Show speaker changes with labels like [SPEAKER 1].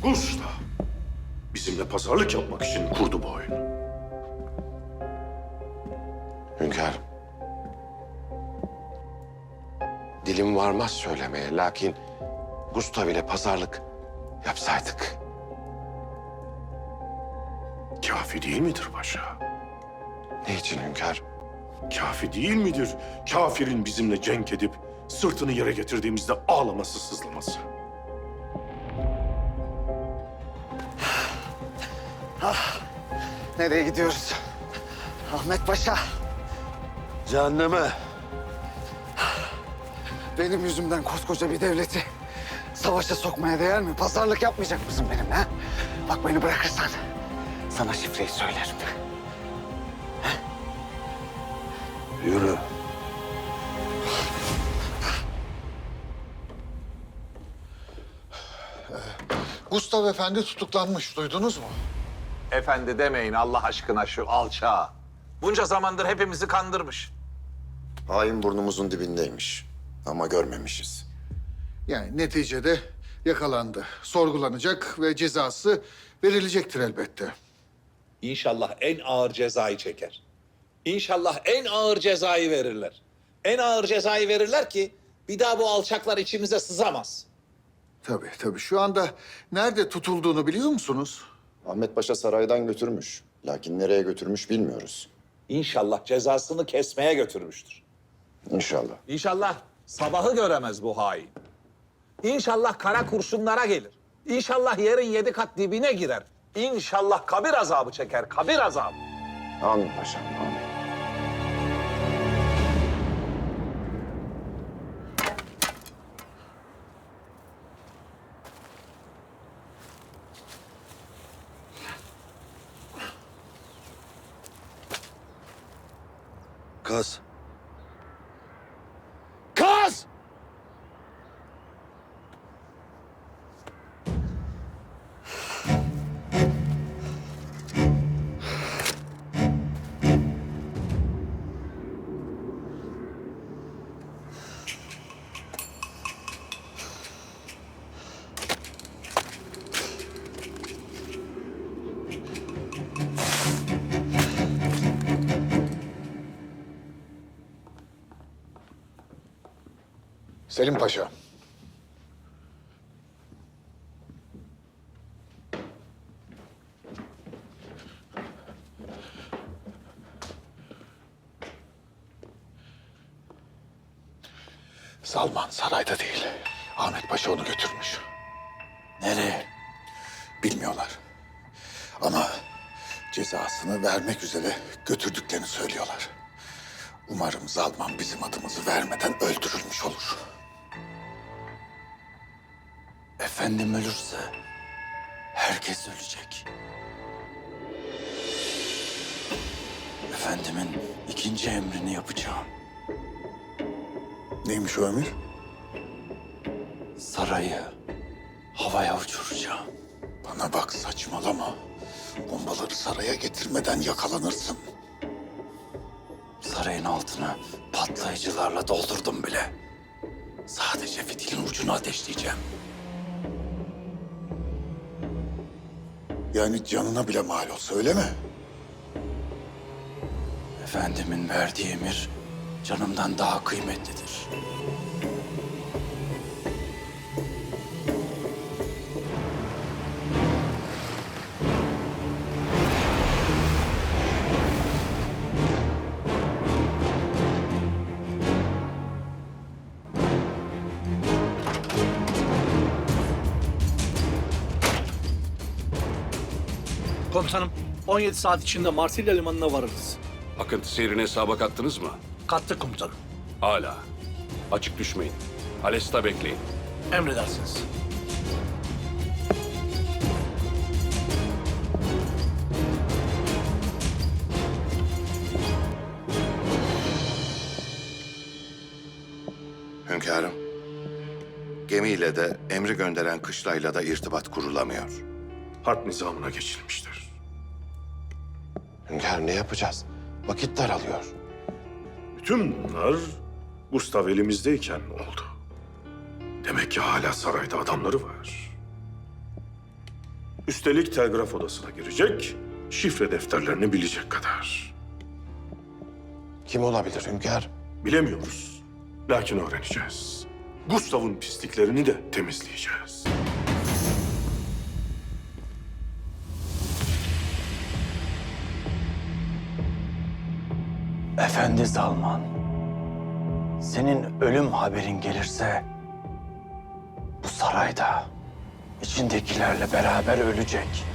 [SPEAKER 1] Gustav bizimle pazarlık yapmak için kurdu bu oyunu.
[SPEAKER 2] Hünkârım. Dilim varmaz söylemeye. Lakin Gustav ile pazarlık yapsaydık.
[SPEAKER 1] Kafi değil midir paşa?
[SPEAKER 2] Ne için hünkârım?
[SPEAKER 1] Kafi değil midir kafirin bizimle cenk edip sırtını yere getirdiğimizde ağlaması, sızlaması?
[SPEAKER 3] Nereye gidiyoruz? Ahmet Paşa,
[SPEAKER 4] Cehenneme.
[SPEAKER 3] benim yüzümden koskoca bir devleti savaşa sokmaya değer mi? Pazarlık yapmayacak mısın benimle ha? Bak beni bırakırsan sana şifreyi söylerim.
[SPEAKER 4] Yürü.
[SPEAKER 5] Gustav Efendi tutuklanmış, duydunuz mu?
[SPEAKER 6] Efendi demeyin Allah aşkına şu alçağa. Bunca zamandır hepimizi kandırmış.
[SPEAKER 7] Hain burnumuzun dibindeymiş ama görmemişiz.
[SPEAKER 5] Yani neticede yakalandı, sorgulanacak ve cezası verilecektir elbette.
[SPEAKER 6] İnşallah en ağır cezayı çeker. İnşallah en ağır cezayı verirler. En ağır cezayı verirler ki bir daha bu alçaklar içimize sızamaz.
[SPEAKER 5] Tabii. Şu anda nerede tutulduğunu biliyor musunuz?
[SPEAKER 7] Ahmet Paşa saraydan götürmüş. Lakin nereye götürmüş bilmiyoruz.
[SPEAKER 6] İnşallah cezasını kesmeye götürmüştür.
[SPEAKER 7] İnşallah.
[SPEAKER 6] İnşallah sabahı göremez bu hain. İnşallah kara kurşunlara gelir. İnşallah yerin 7 kat dibine girer. İnşallah kabir azabı çeker, kabir azabı.
[SPEAKER 7] Amin paşam, amin.
[SPEAKER 4] Kaz.
[SPEAKER 6] Kaz!
[SPEAKER 5] Selim Paşa. Salman sarayda değil. Ahmet Paşa onu götürmüş.
[SPEAKER 4] Nereye?
[SPEAKER 5] Bilmiyorlar. Ama cezasını vermek üzere götürdüklerini söylüyorlar. Umarım Zalman bizim adımızı vermeden öldürülmüş olur.
[SPEAKER 4] Efendim ölürse herkes ölecek. Efendimin ikinci emrini yapacağım.
[SPEAKER 5] Neymiş o emir?
[SPEAKER 4] Sarayı havaya uçuracağım.
[SPEAKER 5] Bana bak, saçmalama. Bombaları saraya getirmeden yakalanırsın.
[SPEAKER 4] Sarayın altını patlayıcılarla doldurdum bile. Sadece fitilin ucunu ateşleyeceğim.
[SPEAKER 5] Yani canına bile mal olsa, öyle mi?
[SPEAKER 4] Efendimin verdiği emir canımdan daha kıymetlidir.
[SPEAKER 8] Komutanım, 17 saat içinde Marsilya limanına varırız.
[SPEAKER 9] Akıntı seyrine hesaba kattınız mı?
[SPEAKER 8] Kattık komutanım.
[SPEAKER 9] Hala. Açık düşmeyin. Alesta bekleyin.
[SPEAKER 8] Emredersiniz.
[SPEAKER 2] Hünkârım. Gemiyle de emri gönderen kışlayla da irtibat kurulamıyor.
[SPEAKER 1] Harp nizamına geçilmiştir.
[SPEAKER 2] Hünkârım ne yapacağız? Vakit daralıyor.
[SPEAKER 1] Bütün bunlar Gustav elimizdeyken oldu. Demek ki hala sarayda adamları var. Üstelik telgraf odasına girecek, şifre defterlerini bilecek kadar.
[SPEAKER 4] Kim olabilir hünkâr?
[SPEAKER 1] Bilemiyoruz. Lakin öğreneceğiz. Gustav'ın pisliklerini de temizleyeceğiz.
[SPEAKER 4] Efendi Zalman, senin ölüm haberin gelirse bu sarayda içindekilerle beraber ölecek.